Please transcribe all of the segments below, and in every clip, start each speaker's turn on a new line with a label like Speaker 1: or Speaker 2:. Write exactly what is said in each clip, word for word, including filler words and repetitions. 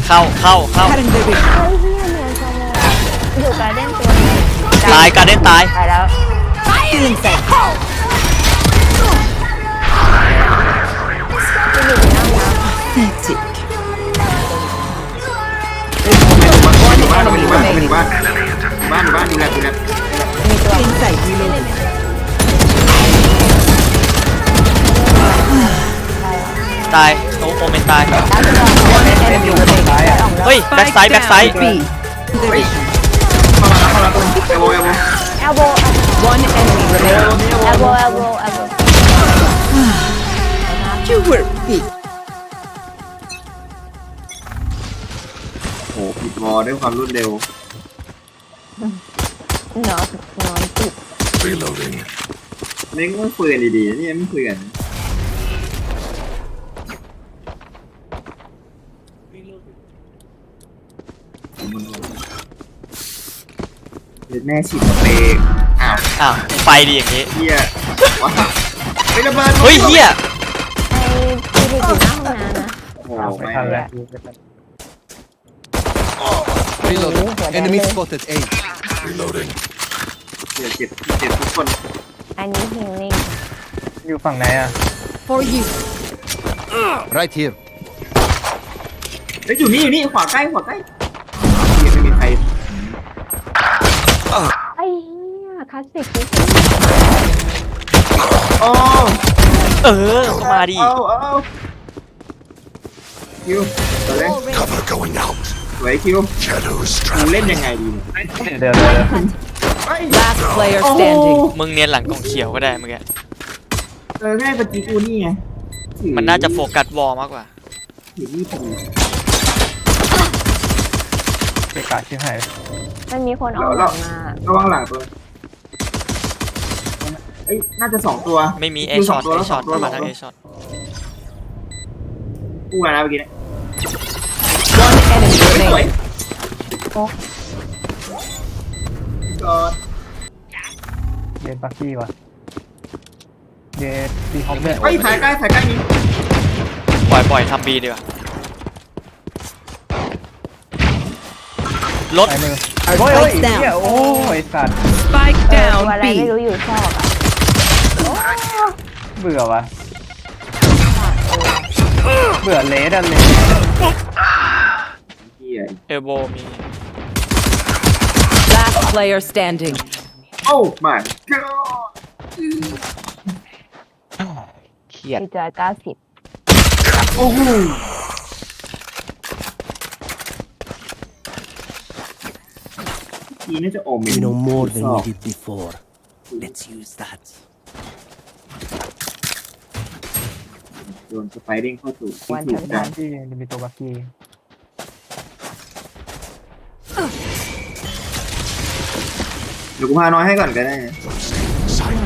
Speaker 1: เข้าเข้าเข้า
Speaker 2: เฮ้ยเฮียเหมือนกันเลยอยู่การเด้นตัวนี้
Speaker 1: ตายการเด้นตาย
Speaker 2: ตายแล้ว
Speaker 3: Feeling safe.
Speaker 2: ที่อยู่ในน้ำน้ำ
Speaker 3: Hectic.
Speaker 4: บ้านบ้านบ้านบ้านบ้านบ้านดูแลดูแล
Speaker 2: มีตัว
Speaker 3: Inside. Reloading.
Speaker 1: ตายโอโอเมนตาย
Speaker 2: แล้วจะลองเล่นอยู่ในซ้ายอ่ะ
Speaker 1: เฮ้ยแบ็กไซด์แบ็กไซด์
Speaker 3: B.
Speaker 4: เข้ามาเข้ามาตรงเอโบเอโบ
Speaker 2: แอลโบ
Speaker 3: One enemy
Speaker 4: เอ
Speaker 3: remaining.
Speaker 4: โบ
Speaker 2: แอลโบแอลโบแอลโบ
Speaker 3: You were big.
Speaker 4: โอ้ผิดวอด้วยความรวดเร็วน
Speaker 2: อนนอนติด
Speaker 5: Reloading.
Speaker 4: เล่นก็คุยกันดีๆนี่ไม่คุยกันแม่ฉีดสเปรย์อ้าว
Speaker 1: อ้าวไปดีอย่างนี้
Speaker 4: เฮียว้าไม่ระเบิด
Speaker 1: เฮ้ยเฮีย
Speaker 2: ไอ้ที่อยู่หน้าห้องน้ำนะ
Speaker 4: โอ้ไม่ทันแล้ว
Speaker 6: Reloading. Enemy spotted A.
Speaker 5: Reloading.
Speaker 4: เจ็บเจ็บเจ็บทุกคน
Speaker 2: อันนี้ฮิลลิ่ง
Speaker 7: อยู่ฝั่งไหนอ่ะ
Speaker 3: For you.
Speaker 6: Right here.
Speaker 4: เฮ้ยอยู่นี่อยู่นี่ขวาใกล้ขวาใกล้ยังไม่มีใคร
Speaker 2: ไอ้เหี้ยคลาสสิกที่
Speaker 4: โอ้
Speaker 1: เออเข้ามาดิ
Speaker 4: เอาเอาคิวตัวเล่น
Speaker 5: Cover going out.
Speaker 4: สวยคิว
Speaker 5: Shadows
Speaker 4: มึงเล่น
Speaker 5: traveling.
Speaker 4: ยังไงดีเนี่ย
Speaker 7: เดี๋ยวเดี๋ยวเดี๋ยว
Speaker 3: Last player
Speaker 4: โอ้
Speaker 3: standing.
Speaker 1: มึงเนียนหลังกล่องเขียวก็ได้เมื่อกี้
Speaker 4: เออแม่ปฏิกูนี่ไง
Speaker 1: มันน่าจะโฟกัสวอลมากกว่า
Speaker 4: ถือนี่พอดี
Speaker 7: เกะกะชิบหาย
Speaker 2: มันมีคนออกหลังมา
Speaker 4: ระวังหลังตัวเอ้ยน่าจะสองตัว
Speaker 1: ไม่มีเอ
Speaker 4: คิว
Speaker 1: ช็อต
Speaker 4: ตัว
Speaker 1: เอ
Speaker 4: แล้ว
Speaker 1: ช็อต
Speaker 4: ตัว
Speaker 1: มา
Speaker 4: ส
Speaker 1: ทาง
Speaker 4: ง
Speaker 1: เอ
Speaker 4: ตัว
Speaker 1: ช็อต
Speaker 4: กูมาแล้วเมื่อกี้เนี่ย
Speaker 3: One enemy
Speaker 4: สวย
Speaker 3: remaining.
Speaker 4: ก่อน
Speaker 7: เดนปักกี้วะเดนตีคอมเมนต์
Speaker 4: เฮ้ยถ่ายใกล้ถ่ายใกล้นี้
Speaker 1: ปล่อยปล่อยทำบีดีกว่า รถ
Speaker 7: ไปมือ
Speaker 3: Our
Speaker 7: โอ้ยโอ้ย
Speaker 3: spikes
Speaker 7: เหี้ย
Speaker 3: down.
Speaker 7: โอ้ยสัตว์
Speaker 3: Spike
Speaker 2: เออ
Speaker 3: down
Speaker 2: ตัวอะไรไม่
Speaker 3: B.
Speaker 2: รู้อยู่ซอกอ่ะ
Speaker 7: เบื่อวะเบื่อเลสอะเลส
Speaker 4: เฮีย
Speaker 1: เอลโบมี
Speaker 3: Last player standing.
Speaker 4: โอ้มาก็
Speaker 7: เครียด
Speaker 2: ดีจอยเก้าสิบ
Speaker 4: โอ้โหทีน่าจะโอม
Speaker 6: We know more than we did before. Let's use that.
Speaker 4: โดนสไปเด้งเข้าสู่ที่
Speaker 2: วัน
Speaker 4: ถู
Speaker 2: ทั
Speaker 4: ก
Speaker 2: น
Speaker 4: กั
Speaker 2: ทั
Speaker 4: น
Speaker 2: น
Speaker 7: ที่มีตัวบักกี้
Speaker 4: เดี๋ยวกูพาน้อยให้ก่อนก็ได้นะ
Speaker 5: Sight.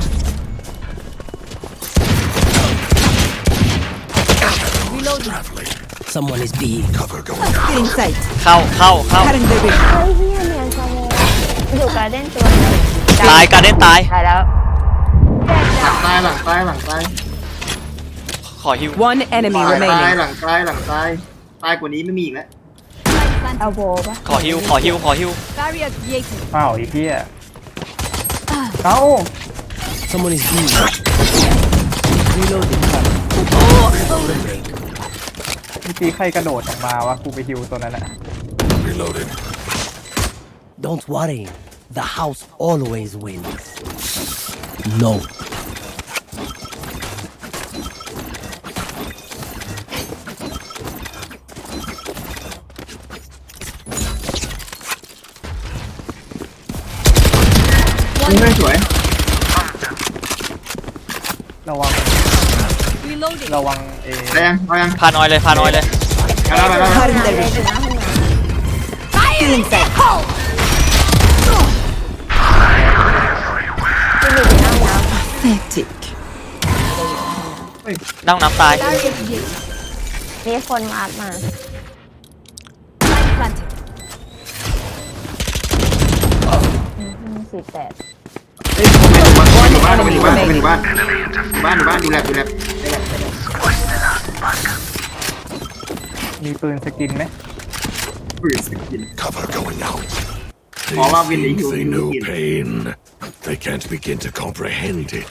Speaker 5: Traveling.
Speaker 6: Someone is B.
Speaker 5: Cover going out.
Speaker 3: Feeling sight.
Speaker 1: เข้าเข้าเข้า
Speaker 3: Cutting the ring.
Speaker 2: เฮ้ยเฮียเหมือนกันเลยอยู่การเด้นตัวนี้
Speaker 1: ตายการเด้นตาย
Speaker 2: ตายแล้ว
Speaker 4: หลังตายหลังตายหลังตาย
Speaker 1: ขอฮิว
Speaker 3: One enemy
Speaker 4: หลังตาย
Speaker 3: remaining.
Speaker 4: หลังตายหลังตายตายกว่านี้ไม่มีอีกแล้ว
Speaker 2: แอลโบปะ
Speaker 1: ขอฮิวขอฮิวขอฮิว
Speaker 7: อ้าวไอ้เหี้ยเอ้า
Speaker 6: Someone is B. Reloading.
Speaker 7: เมื่อกี้ใครกระโดดออกมาวะกูไปฮิวตัวนั้นอะ
Speaker 5: Reloading.
Speaker 6: Don't worry. The house always wins. No.
Speaker 4: นี่ไม่สวย
Speaker 7: ระวังระวังเอ
Speaker 4: ได้ยังเอายัง
Speaker 1: พานอยเลยพานอยเลย
Speaker 4: ไปแล้วไปแล้วไปแล้ว
Speaker 3: Cutting
Speaker 2: เล่
Speaker 3: the
Speaker 2: น
Speaker 3: ring.
Speaker 2: อยู่หน้าห้องน้
Speaker 3: Feeling sight.
Speaker 2: ำที่อยู่ในน้ำน้
Speaker 3: Hectic.
Speaker 1: นั่งน้ำตาย
Speaker 2: ำมีคนมาอัดมาสี่แปด
Speaker 4: เฮ้ยบ้านบ้านบ้านบ้านบ้านบ้านบ้านดูแลดูแล
Speaker 7: มีปืนสกินไหม
Speaker 4: ปืนสกิน
Speaker 5: Cover going out. They
Speaker 4: All I've been
Speaker 5: think
Speaker 4: eating
Speaker 5: they
Speaker 4: is
Speaker 5: know
Speaker 4: meat.
Speaker 5: pain. They can't begin to comprehend it.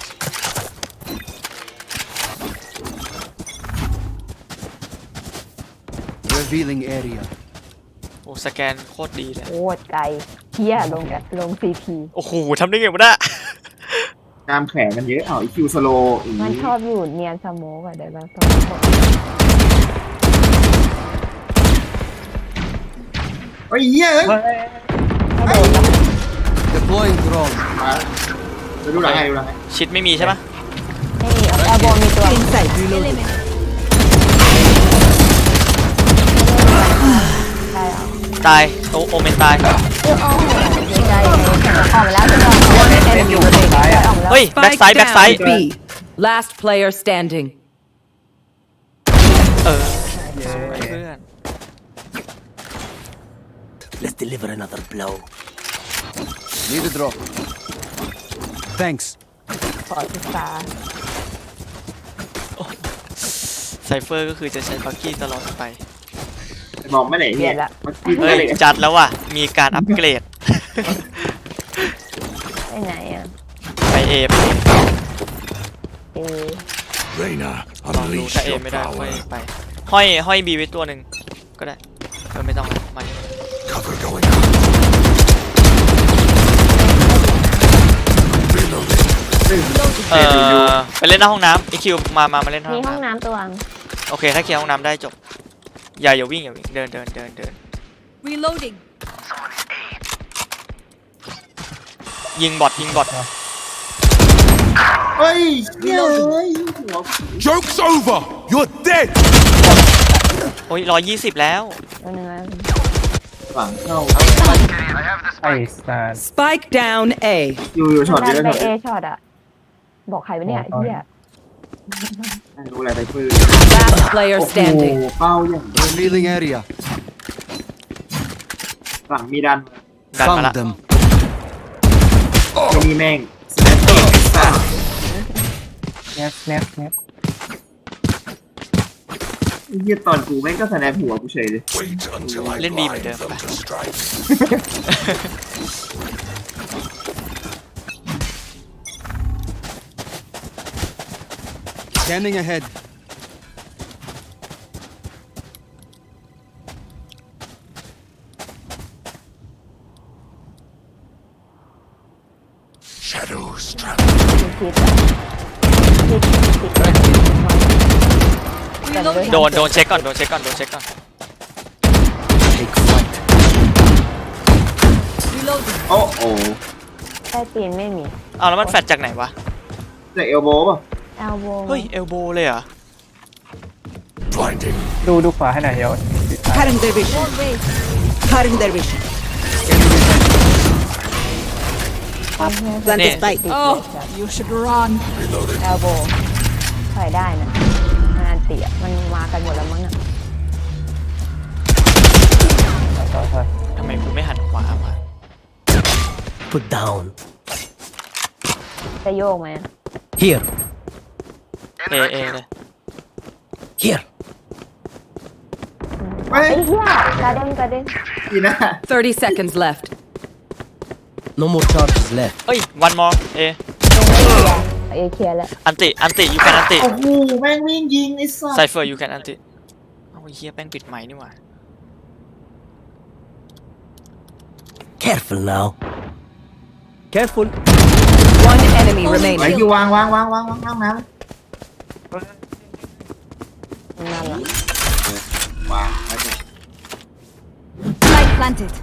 Speaker 6: Revealing area.
Speaker 1: โอ้สแกนโคตรดีเลย
Speaker 2: โคตรไกลเฮียลงกันลงซีพี
Speaker 1: โอ้โหทำได้ไงวะเนี่ย
Speaker 4: ตามแขนมันเยอะเอาอีคิวสโลอี
Speaker 2: มันชอบอยู่เนียนสโมกอะเดี๋ยวเราต้องบอก
Speaker 4: เฮ้ยเหี้ยเอ้ย
Speaker 2: ให้โดนแล้ว
Speaker 6: Deploying drone.
Speaker 4: มาไปดูหลังให้ดูหลังให้
Speaker 1: ชิดไม่มีใช่ปะ
Speaker 2: ไม่มีเอาแอลโบมีตัว
Speaker 3: Still inside. Reloading.
Speaker 2: ได้เหรอ
Speaker 1: ตายโอโอเมนตาย
Speaker 2: เออโอ้โหเสียใจเลยออกมาแล้วใช่ไหม
Speaker 7: One enemy remaining.
Speaker 2: ออกมาแล้ว
Speaker 1: เฮ้ย แบ็ก
Speaker 3: Spike
Speaker 1: ไซด์แบ็กไซ
Speaker 3: down
Speaker 1: ด์
Speaker 3: B. Last player standing.
Speaker 1: เออสวยเพื่อน
Speaker 6: Let's deliver another blow. Need a drop. Thanks.
Speaker 2: ขอศึกษา
Speaker 1: ไซเฟอร์ก็คือจะใช้บักกี้ตลอดไป
Speaker 4: บอกไม่ไหนเนี่ยมันกิน
Speaker 1: เฮ้
Speaker 4: อะ
Speaker 1: ย
Speaker 4: ไร
Speaker 1: จัดแล้วว่ะ มีการอัปเกรด
Speaker 2: ไปไหนอ่ะ
Speaker 1: ไปเอไป A
Speaker 2: เอ
Speaker 5: Reyna,
Speaker 1: ลองดู
Speaker 5: unleash
Speaker 1: ถ้าเอ
Speaker 5: your
Speaker 1: ไม่ได้ค่อย
Speaker 5: power.
Speaker 1: ไป ห้อยห้อยบีไว้ตัวหนึ่งก็ได้เออไม่ต้องมา
Speaker 5: Cover going out. Reloading.
Speaker 1: เออไปเล่นหน้าห้องน้ำไอคิวมามามาเล่นหน้า
Speaker 2: มี
Speaker 1: ห้อง
Speaker 2: ห้อง
Speaker 1: น้
Speaker 2: น้ำตัวง
Speaker 1: ำโอเคถ้าเคลียร์ห้องน้ำได้จบ อย่าอย่าวิ่งอย่าวิ่งเดินเดินเดินเดิน
Speaker 3: Reloading.
Speaker 1: ยิงบอทยิงบอท
Speaker 4: เฮ้ยเหี้ยเฮ้ยหัว
Speaker 5: Joke's over. You're dead.
Speaker 1: โอ้ยร้อยยี่สิบแล้ว
Speaker 2: ตัวหนึงอะ
Speaker 4: ฝังเข้า
Speaker 7: ไอ้สัส
Speaker 3: Spike down A.
Speaker 4: อยู่อยู่ช็อตเย
Speaker 2: ดั
Speaker 4: อะ
Speaker 2: นไป
Speaker 4: ช็อต
Speaker 2: เอ
Speaker 4: เยอะ
Speaker 2: ช็อตอะบอกใครไปเนี่ยไอ้เฮีย
Speaker 4: ไม่รู้อะไรไปปืน
Speaker 3: Last player
Speaker 4: โอ้โห
Speaker 3: standing.
Speaker 4: เป้าอย่าง
Speaker 6: Revealing area.
Speaker 4: หลังมีดัน
Speaker 1: ดันมา
Speaker 6: Found
Speaker 1: ละ
Speaker 6: them.
Speaker 4: ไม่มีแม่งสแนปเปอร์ซ่า
Speaker 7: แนบแนบแนบ
Speaker 4: เหี้ยตอนกูแม่งก็สแนปหัวกูเฉยเลย
Speaker 5: Wait until I
Speaker 1: Lên B
Speaker 5: blind
Speaker 1: mình được.
Speaker 5: them to strike.
Speaker 6: Scanning ahead.
Speaker 5: Shadows travel.
Speaker 2: มีคิดอะคิดคิดแต่ไม่
Speaker 1: โดนโดนเช็คก่อนโดนเช็คก่อนโดนเช็คก่อน
Speaker 6: Take flight.
Speaker 4: โอ้โห
Speaker 2: ใต้ตีนไม่มี
Speaker 1: เอาแล้วมันแฟดจากไหนวะ
Speaker 4: จากเอลโบป่ะ
Speaker 2: แอลโบ
Speaker 1: เฮ้ยเอลโบเลยเหรอ
Speaker 5: Blinding.
Speaker 7: ดูดูขวาให้หน่อยเดี๋ยว
Speaker 3: Cutting their vision. Cutting their vision. Plant the spike.
Speaker 2: Oh
Speaker 3: you should run.
Speaker 2: แอลโบถอยได้นะงานเตี๋ยมันมากันหมดแล้วมั้งอะ
Speaker 7: ต่อไป
Speaker 1: ทำไมกูไม่หันขวาวะ
Speaker 6: Put down.
Speaker 2: จะโยกไหมอะ
Speaker 6: Here.
Speaker 1: เอเอเลย
Speaker 6: Here.
Speaker 4: เฮ้ย
Speaker 2: ไอ้เหี้ยกระเด้งกระเด้ง
Speaker 4: อีน่า
Speaker 3: thirty seconds left.
Speaker 6: No more charges left.
Speaker 1: เอ้ยวันมอเอ
Speaker 2: ยังไม่เคลียร์เอเคลียร์แล้ว
Speaker 1: อันติอันติยูแคนอันติ
Speaker 4: โอ้โหแม่งวิ่งยิงไอ้สั
Speaker 1: ไซ
Speaker 4: ส
Speaker 1: เฟอร์ยูแคนอันติเอาไอ้เฮียแป้งปิดไม้นี่หว่า
Speaker 6: Careful now. Careful.
Speaker 3: One enemy
Speaker 4: ไอ้
Speaker 3: remaining.
Speaker 4: คิววางวางวางวางวางวางน้
Speaker 2: นั่นล่ะ
Speaker 4: ำวางไว้ดิ
Speaker 3: Spike planted.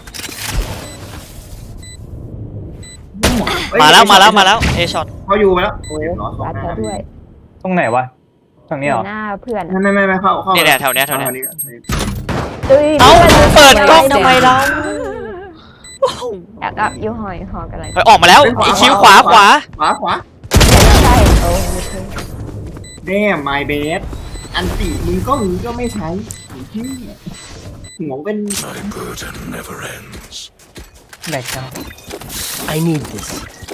Speaker 4: เฮ้ย
Speaker 1: มาแล้วมาแล้วมาแล้วเอช็อต
Speaker 4: เขาอยู่ไปแล้วโอ้ยร้อนสอง
Speaker 2: รัด
Speaker 4: หน้า
Speaker 2: เขาด้วย
Speaker 7: ตรงไหนวะตรงนี้เหรอ
Speaker 2: หน้าเพื่อน
Speaker 4: ไม่ไม่ไม่ไม่เข้าเข้า
Speaker 1: เนี่ยเนี่ยแถวเนี้ยแถวเนี้ย
Speaker 2: เอ้ย
Speaker 1: เอ้าเปิดกล้องทำไมเรา
Speaker 2: อยากอ่ะยูหอยหอกันอะไร
Speaker 1: เฮ้ยออกมาแล้วอีคิวขวาขวา
Speaker 4: ขวาขวา
Speaker 2: ใช่โอ้ไม่ใช่
Speaker 4: แน่ไมเบสอันติมึงก็มึงก็ไม่ใช้ไอ้ที่หัวเป็น
Speaker 5: My burden never ends.
Speaker 7: แบกจัง
Speaker 6: I need this.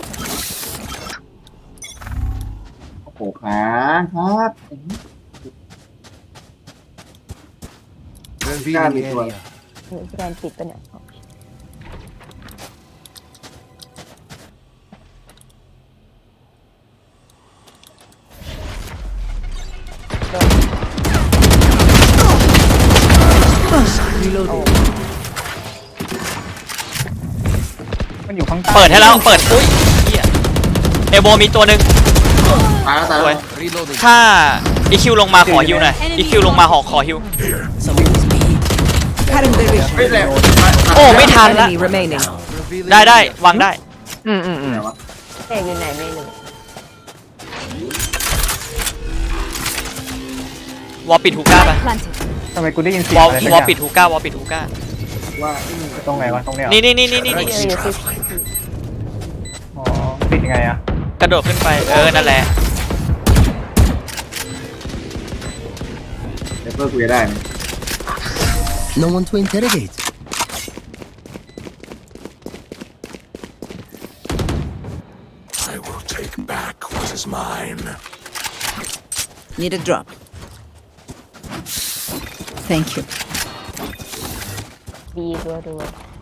Speaker 4: โอ้โหขาครับ
Speaker 6: Revealing area.
Speaker 2: มีสแกนปิดปะเนี่ยโดน
Speaker 3: Reloading.
Speaker 7: มันอยู่ข้างใต้
Speaker 1: เปิดให้แล้วเปิดอุ้ยเหี้ยเอโบมีตัวหนึ่ง
Speaker 4: ตายแล้วตาย
Speaker 1: ส
Speaker 4: แล้ว
Speaker 1: วยถ้าอีคิวลงมาขอฮิวหน่อยอีคิวลงมาหอขอฮิว
Speaker 6: Someone's B.
Speaker 3: Cutting their vision.
Speaker 4: เฮ้ยแหละ
Speaker 1: โอ้ไม่ทันละ
Speaker 3: Enemy remaining.
Speaker 1: ได้ได้วางได้
Speaker 7: อืมอืมอืม
Speaker 4: ไหนวะ
Speaker 2: เอกอยู่ไหนไม่รู้
Speaker 1: วอลปิดฮูก้าไป
Speaker 7: ทำไมกูได้ยินเสียง
Speaker 1: วอล
Speaker 7: อะไรสัก
Speaker 1: วอล
Speaker 7: อย่าง
Speaker 1: ปิดฮูก้าวอลปิดฮูก้า
Speaker 4: ว่าไอ้นี่
Speaker 7: ตรงไหนวะตรงเนี้ยเหรอ
Speaker 1: นี่นี่นี่นี่นี่
Speaker 2: เอกอยู่ที่
Speaker 7: อ๋อปิดยังไงอะ
Speaker 1: กระโดดขึ้นไปเออนั่นแหละ
Speaker 4: เดี๋ยวเพื่อคุยได้ไหม
Speaker 6: No one to interrogate.
Speaker 5: I will take back what is mine.
Speaker 3: Need a drop. Thank you.
Speaker 2: ดีตัวตัว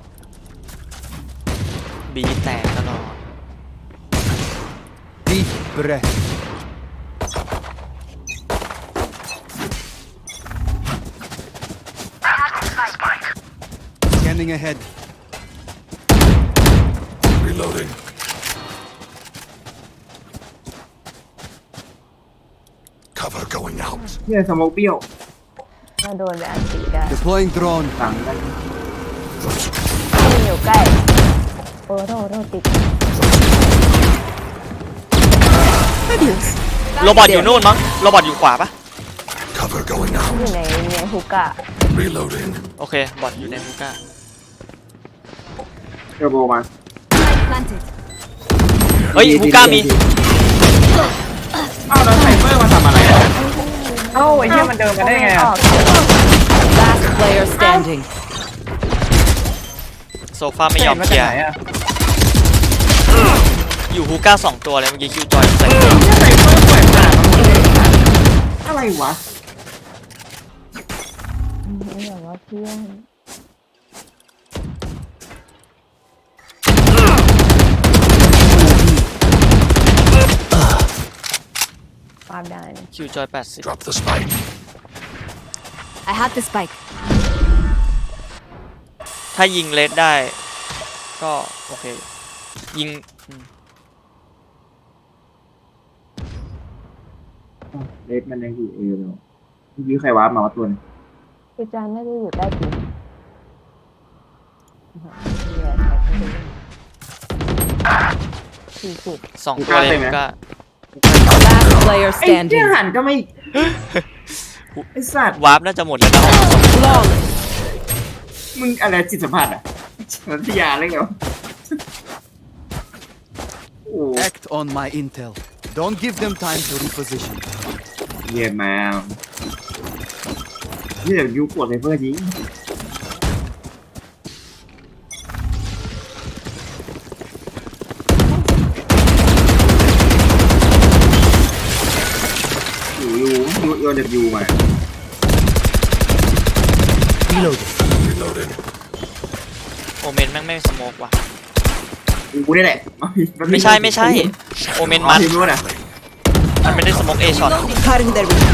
Speaker 1: บีแตกตลอด
Speaker 6: Deep breath. Scanning ahead.
Speaker 5: Reloading. Cover going out.
Speaker 4: เนี่ยสโมกเปรี้ยว
Speaker 2: ถ้าโดนไปอันตีได้
Speaker 6: Deploying drone.
Speaker 4: หลังกัน
Speaker 2: ที่อยู่ใกล้โอ้โทษโทษติด
Speaker 3: Adios.
Speaker 1: โรบอทอยู่นู่นมั้งโรบอทอยู่ขวาปะ
Speaker 5: Cover going
Speaker 2: อยู่
Speaker 5: out.
Speaker 2: ในในฮุกอะ
Speaker 5: Reloading.
Speaker 1: โอเคบอทอยู่ในฮูก้า
Speaker 4: เทอร์โบมา
Speaker 1: เฮ้ยฮูก้ามี
Speaker 4: อ้าวแล้วไซเฟอร์มาทำอะไรอ่ะ
Speaker 7: เอ้าไอ้เหี้ยมันเดินกันได้ไงอะ
Speaker 3: Last player standing.
Speaker 1: โซฟาไม่ยอม
Speaker 7: มา
Speaker 1: เคลี
Speaker 7: จาก
Speaker 1: ยร์
Speaker 7: ไหนอะ
Speaker 1: อยู่ฮูก้าสองตัวเลยเมื่อกี้คิวจอยใส่
Speaker 4: เนี่ยไซเฟอร์เปิดหน้ามันเลยอะไรวะ
Speaker 2: นี่แบบว่าเพื่อนปาบได้นะ
Speaker 1: คิวจอยแปดสิบ
Speaker 5: Drop the spike.
Speaker 3: I have the spike.
Speaker 1: ถ้ายิงเลสได้ ก็โอเค ยิงอืม
Speaker 4: เลสมันยังอยู่เอเลยเมื่อกี้ใครวาร์ปมาว่าตัวนึง
Speaker 2: คือจานน่าจะอยู่ใต้ตีนสี่สิบ
Speaker 1: สองตัวเลยฮูก้า
Speaker 3: Last player
Speaker 4: ไอ้เหี้ย
Speaker 3: standing.
Speaker 4: หันก็ไม่ไอ้สัตว์
Speaker 1: วาร์ปน่าจะหมดแล้วนะ
Speaker 3: Flawless.
Speaker 4: มึงอะไรจิตสัมผัสอ่ะนันทิยาอะไรเงี้ยโอ้
Speaker 6: Act on my intel. Don't give them time to reposition.
Speaker 4: เยี่ยมมากนี่เดี๋ยวยูปวดไซเฟอร์จริงยูยูยูยูเด็บยูมา
Speaker 6: Reloading.
Speaker 5: Reloading.
Speaker 1: โอเมนแม่งไม่สโมกว่ะ
Speaker 4: กูนี่แหละ
Speaker 1: ไม่ใช่ไม่ใช่ โอเมนมัน
Speaker 4: ทีมนู้นอ่ะ
Speaker 1: มันไม่ได้สโมกเอช็อต
Speaker 3: Cutting their vision.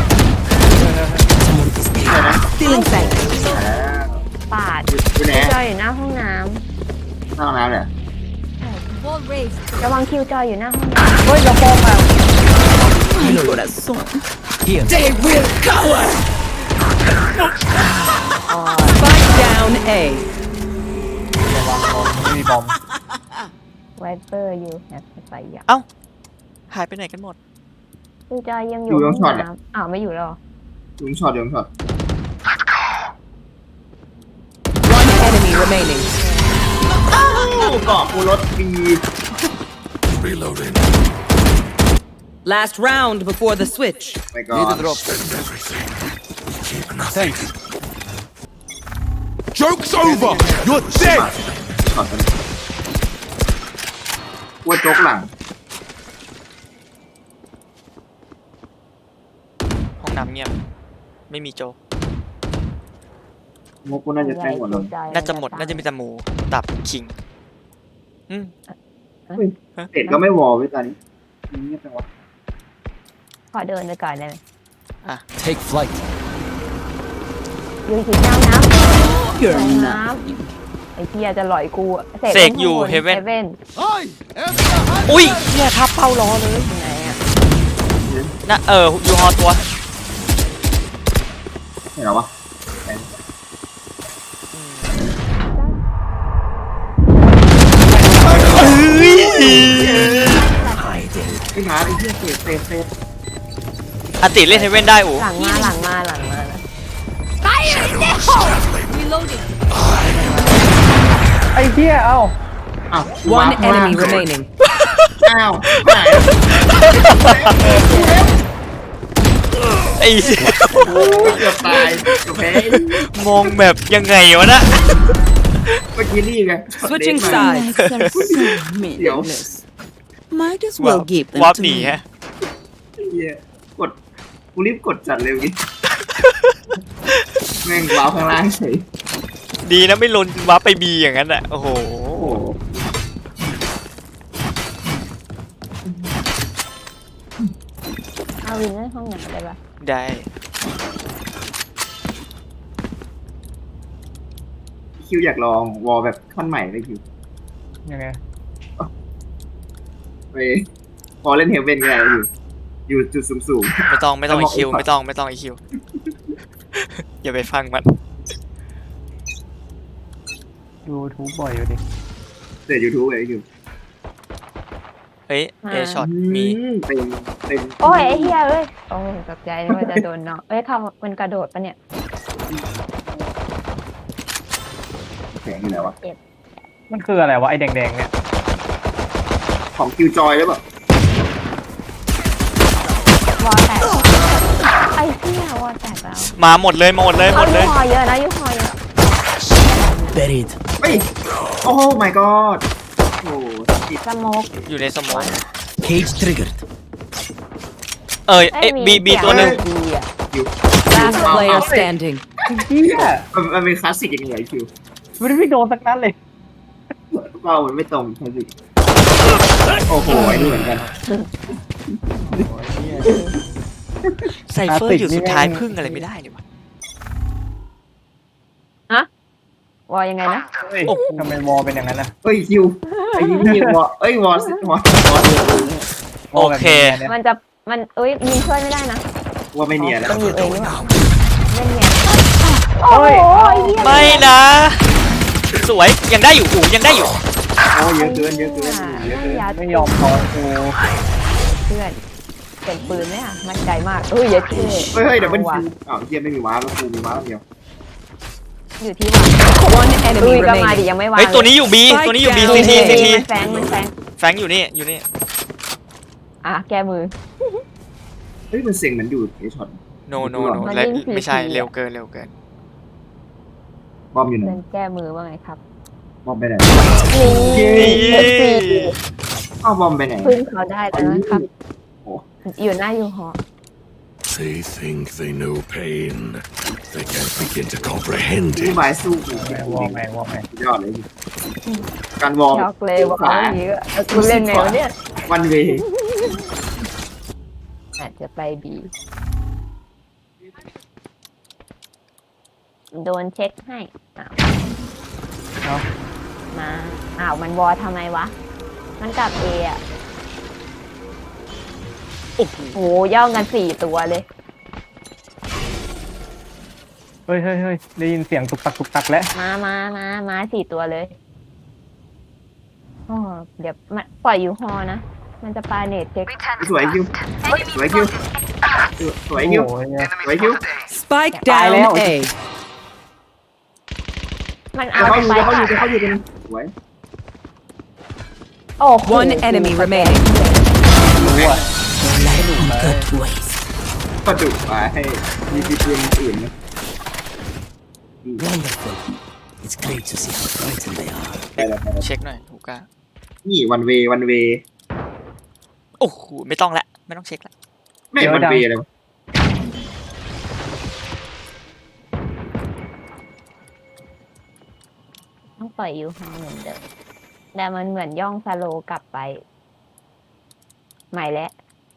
Speaker 3: Still inside.
Speaker 2: ปาด
Speaker 4: อยู่ไหน
Speaker 2: คิวจอยอยู่หน้าห้องน้
Speaker 4: ห้องน้ำเนี่ย
Speaker 2: ำระวังคิวจอยอยู่หน้าห้องน้
Speaker 7: เฮ้ยกระโปรงอะ
Speaker 3: Corazón.
Speaker 6: Here.
Speaker 3: They will cower. Spike down A.
Speaker 7: ระวังบอมไม่มีบอม
Speaker 2: ำไวเปอร์อยู่แฮปไปอยาก
Speaker 1: เอ้า หายไปไหนกันหมด
Speaker 2: คิวจอยยังอยู่ห้องน้ำอ้าวไม่อยู่แล้ว
Speaker 4: ยุงช็อตยุงช็อต
Speaker 3: One enemy remaining.
Speaker 4: เกาะกูรถปี
Speaker 5: Reloading.
Speaker 3: Last round before the switch.
Speaker 4: ไปก่อ
Speaker 6: Need
Speaker 4: น
Speaker 6: a drop.
Speaker 5: Spend everything. Keep nothing.
Speaker 6: Thanks.
Speaker 5: Joke's over. You're dead.
Speaker 4: ช็อตกันวัวโจ๊กหลัง
Speaker 1: ห้องน้ำเงียบ ไม่มีโจ
Speaker 4: งบกูน่าจะแจ้งหมดแล้ว
Speaker 1: น่าจะหมดน่าจะมีแต่หมูตับคิงอืม
Speaker 4: เสร็จก็ไม่วอลไว้ตอนนี้เงียบจังวะ
Speaker 2: ขอเดินไปก่อนได้ไหม
Speaker 6: Take flight.
Speaker 2: อยู่ที่น้ำน้ำ
Speaker 3: You're
Speaker 2: น้
Speaker 3: not.
Speaker 2: ำไอ้เพียจะหลอยกูอะ
Speaker 1: เสกอยู่
Speaker 2: เฮ
Speaker 1: Heaven
Speaker 2: เว่น
Speaker 1: อุ้ยเฮียทับเป้ารอเลย
Speaker 2: ไหนอ่ะ
Speaker 1: นะเออยูฮอตัว
Speaker 4: เห็นหรอวะ
Speaker 6: Hiding.
Speaker 4: ไอ้หมาไอ้เหี้ยเศษเศษเศษ
Speaker 1: อติเล่นเฮเว่นได้อู
Speaker 2: หลังมาหลังมาหลังมานะ
Speaker 7: ไอ้เหี้ยเอ้า
Speaker 4: อ้าว
Speaker 3: One enemy remaining.
Speaker 4: อ้าวหาย
Speaker 1: ไอ้เหี้ย
Speaker 4: เกือบตายเกือบแพ้
Speaker 1: มองแบบยังไงวะนะ
Speaker 4: เมื่อกี้นี่ไง
Speaker 3: Switching
Speaker 4: เด็กมา
Speaker 3: sides. Are so
Speaker 4: Yo.
Speaker 3: meaningless. Might as well give them
Speaker 1: วาร์ป
Speaker 3: to
Speaker 1: หนี
Speaker 3: me.
Speaker 1: ฮะ
Speaker 4: เหี้ยกดกูรีบกดจัดเลยเมื่อกี้แม่งว้าวข้างล่างเฉย
Speaker 1: ดีนะไม่ลนวาร์ปไปบีอย่างนั้นอ่ะโอ้โห
Speaker 4: โอ้โห
Speaker 2: เอาวินในห้องไหนได้ปะ
Speaker 1: ได้
Speaker 4: คิวอยากลองวอลแบบขั้นใหม่เลยคิว
Speaker 7: ยังไง
Speaker 4: ไปพอเล่นเฮเว่นก็ได้อยู่ อยู่จุดสูงสูง
Speaker 1: ไม่ต้องไม่ต้อง
Speaker 4: แล้
Speaker 1: ไอ
Speaker 4: วบอก
Speaker 1: คิว
Speaker 4: อีกฝั่ง
Speaker 1: ไม่ต้องไม่ต้องไอคิว อย่าไปฟังมัน
Speaker 7: ยูทูบบ่อยอยู่ดิ
Speaker 4: เสร็จยูทูบเลยคิว
Speaker 1: เฮ้ยเอช็อตมี
Speaker 4: อืเต็มเต็ม
Speaker 2: โอ้ยไอ้เฮียเอ้ยโอ้ยตกใจนึกว่าจะโดนเนาะเอ้ยเขามันกระโดดปะเนี่ย
Speaker 4: แข็งอยู่ไหนวะ
Speaker 7: มันคืออะไรวะไอ้แดงๆเนี่ย
Speaker 4: ของคิวจอยหรือเปล่าว
Speaker 2: อแตกไอ้เฮียวอแตกแล้ว
Speaker 1: มาหมดเลยมาหมดเลยหม
Speaker 2: เอา
Speaker 1: ดเล
Speaker 2: ยู
Speaker 1: ย
Speaker 2: ฮอเยอะนะยูฮอเยอะ
Speaker 6: Buried.
Speaker 4: เฮ้ยโอ้ my god โอ้ติด
Speaker 2: สโมก
Speaker 1: อยู่ในสมอง
Speaker 6: Cage triggered.
Speaker 1: เอ้ยเอ้ยบีบีตัวหนึ่ง
Speaker 2: บีอ่ะ
Speaker 4: คิว
Speaker 3: Last player standing.
Speaker 7: เหี้ย
Speaker 4: มันมันเป็นคลาสสิกยังไงคิว
Speaker 7: มันไม่โดนสักนัดเลย
Speaker 4: เป้ามันไม่ตรงคลาสสิกโอ้โหไอ้นี่เหมือนกัน
Speaker 1: ไซเฟอร์อยู่สุดท้ายพึ่งอะไรไม่ได้เลยวะ
Speaker 2: วอยังไงนะ
Speaker 7: เฮ้ยทำไมวอลเป็นอย่างนั้นนะ
Speaker 4: เฮ้ยคิวไอ้นี่นี่วอเอ้ยวอสวอวอ
Speaker 1: โอเค
Speaker 2: มันจะมันเอ้ยยิงช่วยไม่ได้นะ
Speaker 4: ว่าไม่เนียนแล้ว
Speaker 2: ต้องยิงเองหรือเปล่าเล่นเนี่ยโอ้โหไอ้เหี้ย
Speaker 1: ไม่นะ สวยยังได้อยู่อูยังได้อยู่
Speaker 4: โอ้เยอะเกินเยอะเกินเยอะเกิน
Speaker 2: ยัด
Speaker 7: ไม่ยอมพอกู
Speaker 2: เพื่อนเป็นปืนไหมอ่ะมั่นใจมากเอ้ยเยอะเท่
Speaker 4: เฮ้ยเฮ้ยเดี๋ยวเป็นคิวอ้าวเฮียไม่มีว้าแล้วกูมีว้าเดียว
Speaker 2: อยู่ที่วาง
Speaker 3: One
Speaker 2: ลุ
Speaker 3: enemy
Speaker 2: ยก็มาดิ
Speaker 3: remaining.
Speaker 2: ยังไม่วาง
Speaker 1: เฮ้ยตัวนี้อยู่บีตัวนี้อยู่บีซีทีซีที
Speaker 2: มันแฝงมันแฝง
Speaker 1: แฟงอยู่นี่อยู่นี่
Speaker 2: อ่ะแก้มือ
Speaker 4: เฮ้ยมันเสียงเหมือนอยู่ไอช็อต
Speaker 1: โนโนโน
Speaker 2: มัน
Speaker 1: และ
Speaker 2: ยิง
Speaker 1: ไม่ใช่
Speaker 2: ทีที
Speaker 1: เร็วเกินเร็วเกิน
Speaker 4: บอมอยู่ไหน
Speaker 2: เล่นแก้มือว่าไงครับ
Speaker 4: บอมไปไหน
Speaker 2: นี่เอฟซี
Speaker 4: อ้าวบอมไปไหน
Speaker 2: พึ่งเขาได้แล้วนะครับ
Speaker 4: โอ้
Speaker 2: อยู่หน้ายูฮอ
Speaker 5: They think they know pain. They can't begin to comprehend
Speaker 4: ผู้
Speaker 5: it.
Speaker 4: บายสู้กู
Speaker 7: แม่งวอลแม่งวอลแม่ง
Speaker 4: ยอดเลยการวอร์ม
Speaker 2: ช็อกเลยว่าเขาอย่างนี้ก็กูเล่นแนวเนี่ย
Speaker 4: วันเวย์
Speaker 2: อาจจะไปบีโดนเช็คให้อ้าว
Speaker 7: เนาะ
Speaker 2: มาอ้าวมันวอทำไมวะ มันกลับเออะ
Speaker 1: โอ้โห
Speaker 2: โหย่องกันสี่ตัวเลย
Speaker 7: เฮ้ยเฮ้ยเฮ้ยได้ยินเสียงตุกตักตุกตักแล้ว
Speaker 2: มามามามาสี่ตัวเลยโอ้เดี๋ยวมันปล่อยอยู่ฮอนะ มันจะปาเนตเช็ค
Speaker 4: สวยคิวสวยคิวสวยคิว
Speaker 7: โอ้ยเนี่ย
Speaker 4: สวยคิว
Speaker 3: Spike
Speaker 7: Bye, Leo.
Speaker 3: down A.
Speaker 2: มัน
Speaker 4: เดี๋
Speaker 2: เอา
Speaker 4: ยวเขาอยู่
Speaker 2: ไป
Speaker 4: เดี๋ยวเขาอยู่เดี๋ยวเขาอยู่กันสวย
Speaker 2: โอ้โห
Speaker 3: One enemy remaining.
Speaker 7: รู้อ่ะ
Speaker 6: Good ways.
Speaker 4: ก็จุไปให้มีทีมอื่นนะ
Speaker 6: Wonderful. It's great to see how frightened they are.
Speaker 4: ไปแล้วไปแล้ว
Speaker 1: เช็คหน่อยหูก้า
Speaker 4: นี่วันเววันเว
Speaker 1: โอ้โหไม่ต้องละไม่ต้องเช็คละ
Speaker 4: ไม่วันเวเลยวะ
Speaker 2: ต้องปล่อยยูฮาเหมือนเดิมแต่มันเหมือนย่องสโลว์กลับไป ใหม่แล้ว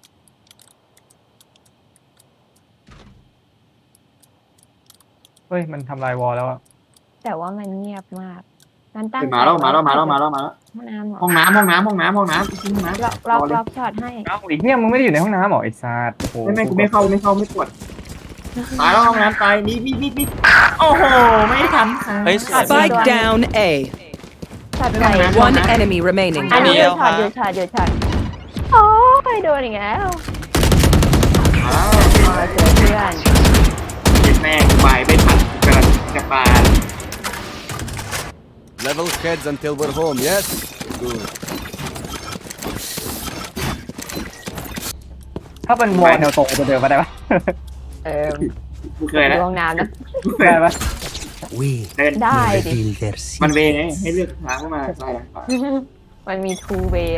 Speaker 7: เฮ้ยมันทำลายวอลแล้วอะ
Speaker 2: แต่ว่ามันเงียบมากมันตั้ง
Speaker 4: เฮ้ยมาแล้วมาแล้วมาแล้วมาแล้วมาแล้ว
Speaker 2: ห้องน้ำเหรอ
Speaker 4: ห้องน้ำห้องน้ำห้องน้ำห้องน้ำห้องน้ำ
Speaker 2: ล็อกล็อก
Speaker 4: รอเลย
Speaker 2: ล็อกช็อตให้
Speaker 7: เอ้าอีกเนี่ยมึงไม่ได้อยู่ในห้องน้ำเหรอไอ้ซาดโอ้โห
Speaker 4: ไม่ไม่กูไม่เข้าไม่เข้าไม่ปวดตายแล้วห้องน้ำตายนี่นี่นี่นี่โอ้โหไม่ทันค่ะ
Speaker 1: เฮ้ยสวย
Speaker 3: Spike down A.
Speaker 2: ช็อตใหม่
Speaker 3: One enemy remaining.
Speaker 2: อันนี้
Speaker 1: เดี
Speaker 2: อ
Speaker 1: ยว
Speaker 2: ยู่ช็อต
Speaker 1: ฮะ
Speaker 2: อยู่ช็อตอยู่ช็อตโอ้ยโดนอีกแล้ว
Speaker 4: มาแล้ว
Speaker 2: มาเจอเพื่อน
Speaker 4: เจ็บแม่งไปไม่ทันกระจะปา
Speaker 6: Level heads until we're home, yes? Good.
Speaker 7: ถ้าเป็นวอลแนวตรงจะเดินมาได้ปะ
Speaker 2: เออ
Speaker 4: กูเคยนะ
Speaker 2: ดวงน้ำนะ
Speaker 4: กูเคย
Speaker 7: ได้ปะ
Speaker 6: We
Speaker 4: เดิน
Speaker 2: ได้ดิ
Speaker 6: reveal their
Speaker 4: มัน
Speaker 6: secret.
Speaker 4: เวไงให้เลือกทางเข้ามาซ้ายหลังขวา
Speaker 2: มันมีทูเวย์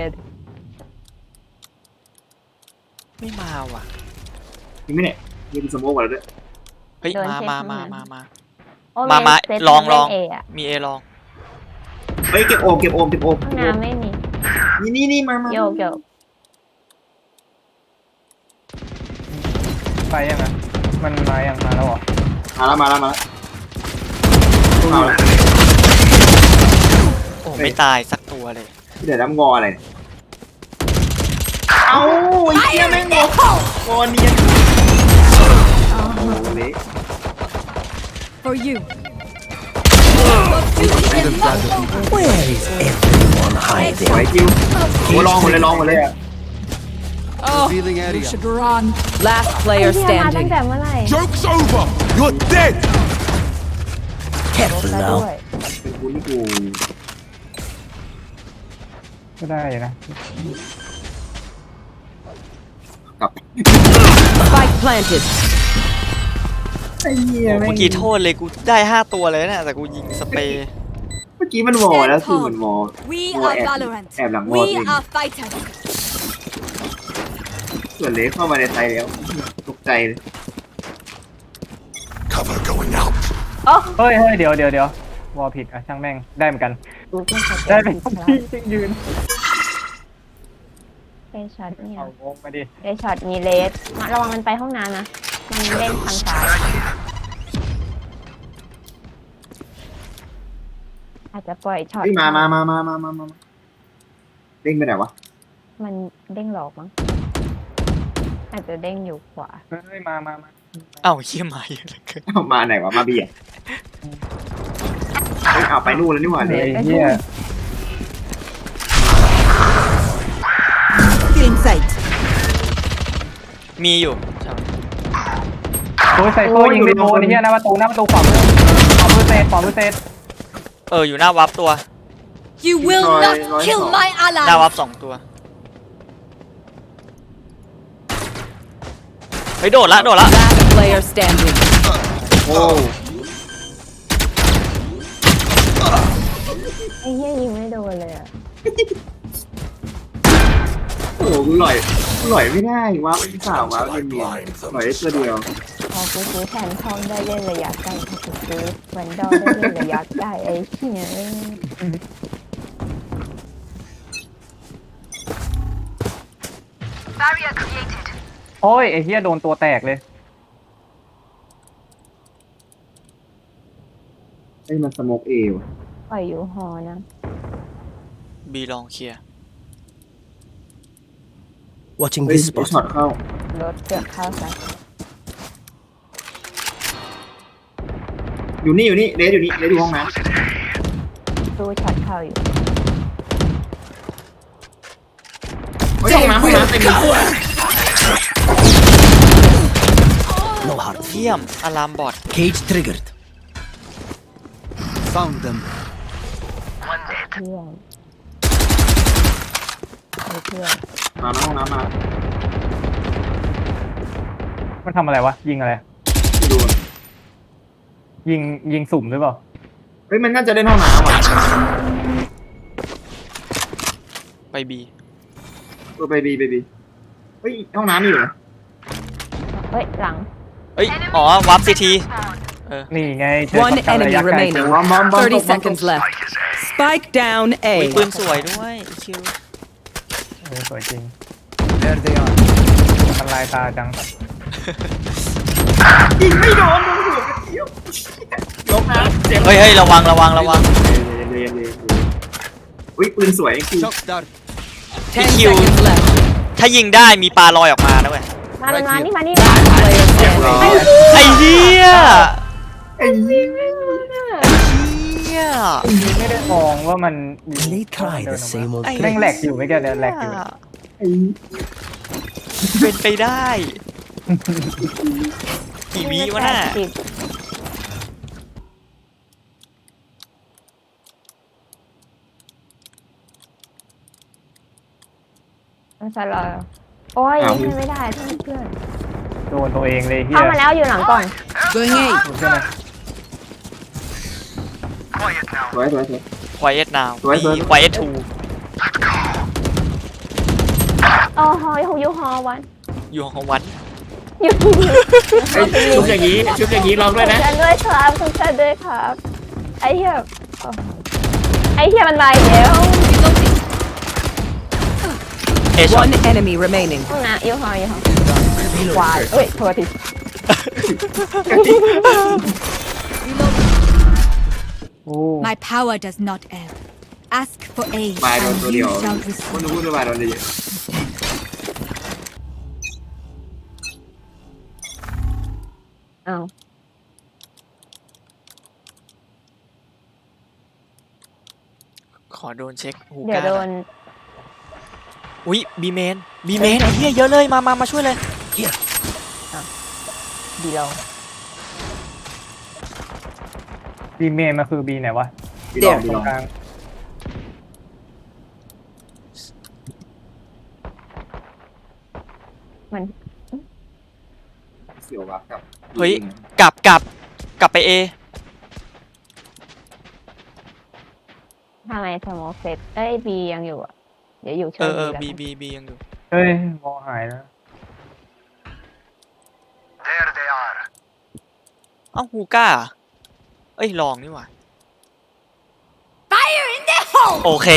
Speaker 1: ไม่มาว่ะ
Speaker 4: จริงไหมเนี่ยยืนสโมกกันแล้วด้วย
Speaker 1: เฮ้ยมามามามามา
Speaker 2: โอ้
Speaker 1: มามา
Speaker 2: เซ็ต
Speaker 1: ลองลอง
Speaker 2: เล่น A อะ
Speaker 1: มีเอลอง
Speaker 4: เฮ้ยเก็บโอมเก็บโอมเก็บโอม
Speaker 2: ห้องน้ำไม่มี
Speaker 4: นี่นี่นี่มามา
Speaker 2: โยกโยก
Speaker 7: ไปยังไงมันมายังมาแล้วเหรอ
Speaker 4: มาแล้วมาแล้วมาแล้วเอาละ
Speaker 1: โอ้ไม่ตายสักตัวเลย
Speaker 4: เดี๋ยวน้ำงออะไรเนี่ยเอาไอ้เหี้ยแม่งงองอเนียนโอ้โหเละ
Speaker 3: For you.
Speaker 6: Where is everyone
Speaker 4: สวย
Speaker 6: hiding?
Speaker 4: คิวโอ้ลองหมดเลยลองหมดเลย
Speaker 3: Oh,
Speaker 6: Revealing
Speaker 3: you
Speaker 6: area.
Speaker 3: should run. Last
Speaker 2: ไอ้
Speaker 3: player
Speaker 2: เหี้ยมาตั้ง
Speaker 3: standing.
Speaker 2: แต่เมื่อไหร่
Speaker 5: Joke's over! You're dead!
Speaker 2: ลบ
Speaker 6: Careful
Speaker 2: ซะ
Speaker 6: now.
Speaker 2: ด้วย
Speaker 4: เป็นกูนี่กู
Speaker 7: ก็ได้อยู่นะ
Speaker 4: กลับ
Speaker 3: Spike planted.
Speaker 4: ไอ้เหี้ย
Speaker 1: โอ้
Speaker 4: แม่ง
Speaker 1: เมื่อกี้โทษเลยกูได้ห้าตัวเลยนะแต่กูยิงสเปรย์
Speaker 4: เมื่อกี้มันวอแล้วคือเหมือนวอ
Speaker 8: We
Speaker 4: War
Speaker 8: are
Speaker 4: app.
Speaker 8: Valorant.
Speaker 4: App หลังวอ
Speaker 8: We
Speaker 4: เอง
Speaker 8: are fighters.
Speaker 4: ส่วนเละเข้ามาในไทยแล้วตกใจเลย
Speaker 5: Cover going out.
Speaker 7: เฮ้ยเฮ้ยเดี๋ยวเดี๋ยวเดี๋ยววอลผิดอ่ะช่างแม่งได้เหมือนกัน
Speaker 2: กูเพิ่งส
Speaker 7: ได้
Speaker 2: เต็
Speaker 7: เป็น
Speaker 2: ป
Speaker 7: พี่จริงยืน
Speaker 2: ได้ช็อตเนี่ย
Speaker 7: เอาวงมาดิ
Speaker 2: ได้ช็อตมีเลสมาระวังมันไปห้องน้ำนะ มันเล่นทางซ้าย อาจจะปล่อยช็อต
Speaker 4: เฮ้ยมามามามามามามาเด้งไปไหนวะ
Speaker 2: มันเด้งหลอกมั้ง อาจจะเด้งอยู่ขวา
Speaker 7: เฮ้ยมามามา
Speaker 1: เอ้าเยี่ยมาเยอะเหลือเกิน
Speaker 4: เอามาไหนวะมาเบียร์เฮ้ยเอาไปนู่นแล้วนี่หว่า
Speaker 7: เฮ้
Speaker 4: เนี่ย
Speaker 7: ยเฮีย
Speaker 3: Feeling sight.
Speaker 1: มีอยู่ใช่
Speaker 7: โอ้ยใส่โซ่ยิงไปโดนไอ้เฮียหน้าประตูหน้าประตูขวามือขวามือเซตขวามือเซต
Speaker 1: เอออยู่หน้าวับตัว
Speaker 8: You will not kill my
Speaker 1: หน้า
Speaker 8: ally.
Speaker 1: วับสองตัวเฮ้ยโดดละโดดละ
Speaker 3: Last player standing.
Speaker 4: โอ้
Speaker 2: ไอ้เหี้ยยิงไม่โดนเลยอ่ะ
Speaker 4: โหกูหล่อยกูหล่อยไม่ได้วะพี่สาววะเป็นเมียหล่อยได้ตัวเดียว
Speaker 2: พอกูซื้อแทนทองได้เล่นระยะไกลพอกูซื้อแวนดอลได้เล่นระยะไกลไอ้เหี้ย
Speaker 7: โอ้ยไอ้เฮียโดนตัวแตกเลย
Speaker 4: ไอ้มันสโมกเอว
Speaker 2: ปล่อยอยู่หอนะ
Speaker 1: บีลองเคลียร์
Speaker 6: Watching
Speaker 4: เฮ้ย
Speaker 6: this
Speaker 4: ไอ้
Speaker 6: spot.
Speaker 4: ช็อตเข้าร
Speaker 2: ถเกือบเข้าซะ
Speaker 4: อยู่นี่อยู่นี่เลสอยู่นี่เลสอยู่ห้องน้
Speaker 2: ตู้ช็อตเข้าอยู่
Speaker 4: ำเฮ้ยห้องน้ำห้องน้ำเต็มเลย
Speaker 6: No hard.
Speaker 1: เยี่ยมอะลามบอด
Speaker 6: Cage triggered. Found them.
Speaker 2: เพื่อนไอ้เพื่อน
Speaker 4: มาแล้วห้องน้ำมา
Speaker 7: มันทำอะไรวะยิงอะไร
Speaker 4: ไม่ดู
Speaker 7: ยิงยิงสุ่มหรือเปล่า
Speaker 4: เฮ้ยมันน่าจะเล่นห้องน้ำอ่ะ
Speaker 1: ไปบี
Speaker 4: เออไปบีไปบีเฮ้ยห้องน้ำมีอยู่นะ
Speaker 2: เฮ้ยหลัง
Speaker 1: เอ้ยอ๋อวับซีที
Speaker 7: นี่ไงเจอ
Speaker 3: One
Speaker 7: ช็อตกันระ
Speaker 3: enemy
Speaker 7: ยะไกล
Speaker 3: remaining.
Speaker 4: บอมบอมบอม
Speaker 3: thirty seconds left. Spike down
Speaker 1: อุ้ย
Speaker 3: A.
Speaker 1: ปืนสวยด้วยคิว
Speaker 7: เออสวยจริง
Speaker 6: There they are.
Speaker 7: มันลายตาจัง
Speaker 4: ยิงไม่โดนโดนหัวกระเทียมลบนะเจ็บ
Speaker 1: เฮ้ยเฮ้ยระวังระวังระวัง
Speaker 4: เรียนเรียนเรียนอุ้ยปืนสวยคือ
Speaker 6: Shock dart.
Speaker 3: Ten
Speaker 1: Thank you.
Speaker 3: seconds left.
Speaker 1: ถ้ายิงได้มีปลาลอยออกมานะเว้ย
Speaker 2: มามันมานี่มานี่
Speaker 3: Player
Speaker 4: เรียบ
Speaker 3: standing.
Speaker 4: ร้อย
Speaker 1: ไอ้เหี้ย
Speaker 4: ไอ้เหี้ย
Speaker 1: เหี้ย
Speaker 7: ไม่ได้มองว่ามันมี
Speaker 6: And they try the same old
Speaker 7: แม่ง
Speaker 6: tricks.
Speaker 7: แหลกอยู่ไม่แกเนี่ยแหลกอยู่
Speaker 4: ไอ้
Speaker 1: เป็นไปได้กี่วิวะน่ะ
Speaker 2: สิบมันสลอยโอ้ยยิงไม่ได้ท่านเพื่อน
Speaker 7: โดนตัวเองเลยเฮีย
Speaker 2: เข้ามาแล้วอยู่หลังกล่อง
Speaker 3: Going A.
Speaker 7: ใช่ไหม
Speaker 4: สวยสวยสวย
Speaker 1: Quiet now
Speaker 4: สวยสวย
Speaker 1: มี Quiet two
Speaker 2: โอ้โหยูยูฮอวัน
Speaker 1: อยู่ของวัน
Speaker 2: ยู
Speaker 4: ไอ้ชุบอย่างนี้ชุบอย่างนี้ลองด้วยนะ
Speaker 2: ฉันด้วยครับทุกท่านด้วยครับไอ้เหี้ยโอ้ไอ้เหี้ยมันมาอีกแล้ว
Speaker 1: เอช็อต
Speaker 3: One enemy remaining.
Speaker 2: ห้องน้ำยูฮอยูฮอวายเอ้ยโทษที
Speaker 7: โอ้
Speaker 8: My power does not ebb. Ask for aid
Speaker 4: บายโดน
Speaker 8: and
Speaker 4: ตัวเดี
Speaker 8: you
Speaker 4: ยว
Speaker 8: shall
Speaker 4: ไม่
Speaker 8: receive.
Speaker 4: รู้ว่าบายโดนเดียว
Speaker 2: อ้าว
Speaker 1: ขอโดนเช็คหู
Speaker 2: เดี๋ยว
Speaker 1: กา
Speaker 2: โดน
Speaker 1: อุ้ยบีเมนบีเมนไอ้เหี้ยเยอะเลยมามามาช่วยเลย
Speaker 2: ดีลง
Speaker 7: บีเมนมาคือบีไหนวะ
Speaker 4: บีลองบี
Speaker 7: ต
Speaker 4: ล
Speaker 7: ร
Speaker 4: อง
Speaker 7: งกลาง
Speaker 2: มัน
Speaker 4: เสียววับกับ
Speaker 1: เฮ้ยกลับกลับกลับไปเอ
Speaker 2: ทำไมสโมกเซตเอ้ยบียังอยู่อ่ะเดี๋ยวอยู่
Speaker 1: เอ
Speaker 2: เชิญ
Speaker 1: อเออ
Speaker 2: แล้ว
Speaker 1: บี
Speaker 2: กัน
Speaker 1: บีบียังอยู่
Speaker 7: เฮ้ยมองหายแล้ว
Speaker 1: เอ้าฮูก้าเอ้ยลองนี่หว่า
Speaker 8: Fire in the hole!
Speaker 1: โอเค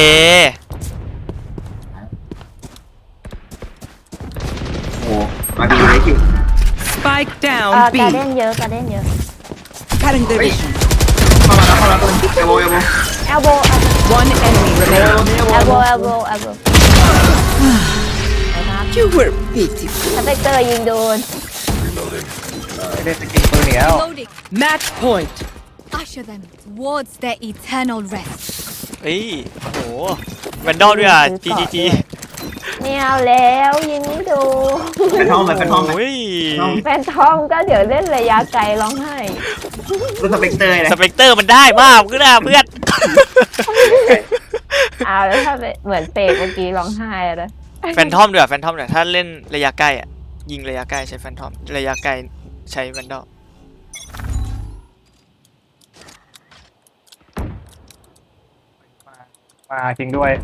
Speaker 4: โอ้มาบีเลยคิว
Speaker 3: Spike
Speaker 2: เอ
Speaker 3: down
Speaker 2: อ
Speaker 3: B.
Speaker 2: การเด่นเยอะการเด่นเยอะ
Speaker 3: Cutting their vision.
Speaker 4: เข้ามาแล้วเข้ามาแล้วตัวเอโบเอโบ
Speaker 2: เอลโบ
Speaker 3: One enemy
Speaker 4: เอ
Speaker 3: remaining.
Speaker 4: โบเอโบ
Speaker 2: เอลโบเอลโบเอลโบนะครับ
Speaker 3: You were beautiful.
Speaker 2: สเปกเตอร์ยิงโดน
Speaker 7: ไม่ได้สกินปืนแล้ว
Speaker 8: Loading.
Speaker 3: Match point.
Speaker 8: Usher them towards their eternal rest.
Speaker 1: เฮ้ยโอ้โหแวนดอลด้วยอ่ะ จี จี จี
Speaker 2: ไม่เอาแล้วยิงไม่โดน
Speaker 4: เป็นห้องเลยเป็นห้องเลย
Speaker 1: โอ้ย
Speaker 2: แฟนทอมก็เดี๋ยวเล่นระยะไกลร้องไห้
Speaker 4: เป็นสเปกเตอร์เลย
Speaker 1: สเปกเตอร์มันได้มากขึ้นนะเพื่อน
Speaker 2: เอาแล้วถ้าเป็นเหมือนเปกเมื่อกี้ร้องไห้อะนะ
Speaker 1: แฟนทอมด้วยอ่ะแฟนทอมเนี่ยถ้าเล่นระยะใกล้อ่ะยิงระยะใกล้ใช้แฟนทอมระยะไกลใช้แวนดอล
Speaker 7: มาจริงด้วย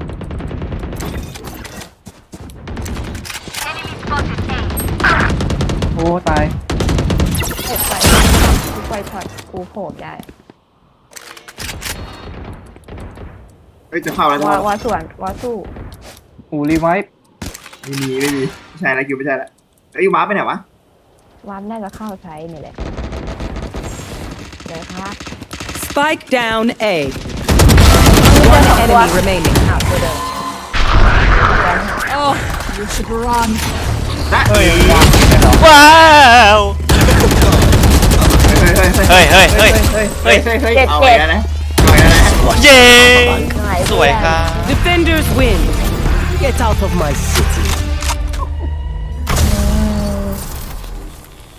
Speaker 7: โอ้ตาย
Speaker 2: เก็บไปทุกไวพอดกูโผล่ได้
Speaker 4: เฮ้ยจะเข้าแล้วจะ
Speaker 2: ว่า
Speaker 4: เข้า
Speaker 2: ว่าส่วนว่าสู้
Speaker 7: อูรีไวท์
Speaker 4: ไม่มีไม่มีไม่ใช่แล้วคิวไม่ใช่แล้วเฮ้ยวับไปไหนวะ
Speaker 2: วามได้ก็เข้าใช้นี่แหละเดี๋ยวครับ
Speaker 3: Spike down A.
Speaker 2: มี
Speaker 3: One
Speaker 2: เจอสองตัว
Speaker 3: enemy remaining.
Speaker 2: อ้าวตัวเดิม
Speaker 8: Oh, you should run.
Speaker 4: นะ
Speaker 7: เฮ้ย
Speaker 1: ว้าว
Speaker 4: เฮ้ยเฮ้ย
Speaker 1: เฮ้ยเฮ้ยเฮ้ย
Speaker 4: เฮ้ยเฮ้ยเฮ้ยเอาไปแล้วนะเอาไปแล้วนะ
Speaker 1: เย้
Speaker 2: หน่อย
Speaker 1: สวยครับ
Speaker 3: Defenders win.
Speaker 6: Get out of my city.